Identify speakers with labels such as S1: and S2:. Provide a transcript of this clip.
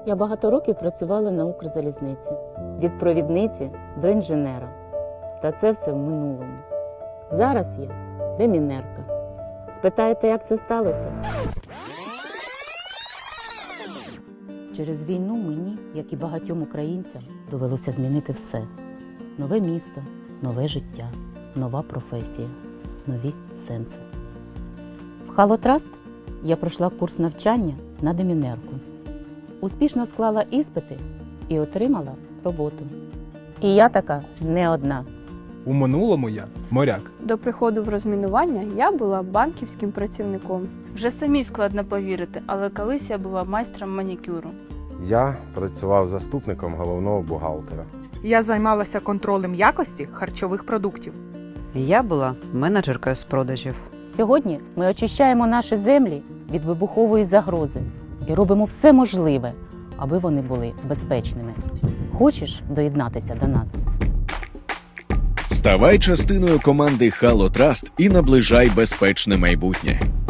S1: Я багато років працювала на Укрзалізниці. Від провідниці до інженера. Та це все в минулому. Зараз я демінерка. Спитаєте, як це сталося? Через війну мені, як і багатьом українцям, довелося змінити все. Нове місто, нове життя, нова професія, нові сенси. В Халотраст я пройшла курс навчання на демінерку. Успішно склала іспити і отримала роботу. І я така не одна.
S2: У минулому я моряк.
S3: До приходу в розмінування я була банківським працівником.
S4: Вже самі складно повірити, але колись я була майстром манікюру.
S5: Я працював заступником головного бухгалтера.
S6: Я займалася контролем якості харчових продуктів.
S7: Я була менеджеркою з продажів.
S1: Сьогодні ми очищаємо наші землі від вибухової загрози і робимо все можливе, аби вони були безпечними. Хочеш доєднатися до нас?
S8: Ставай частиною команди Халотраст і наближай безпечне майбутнє.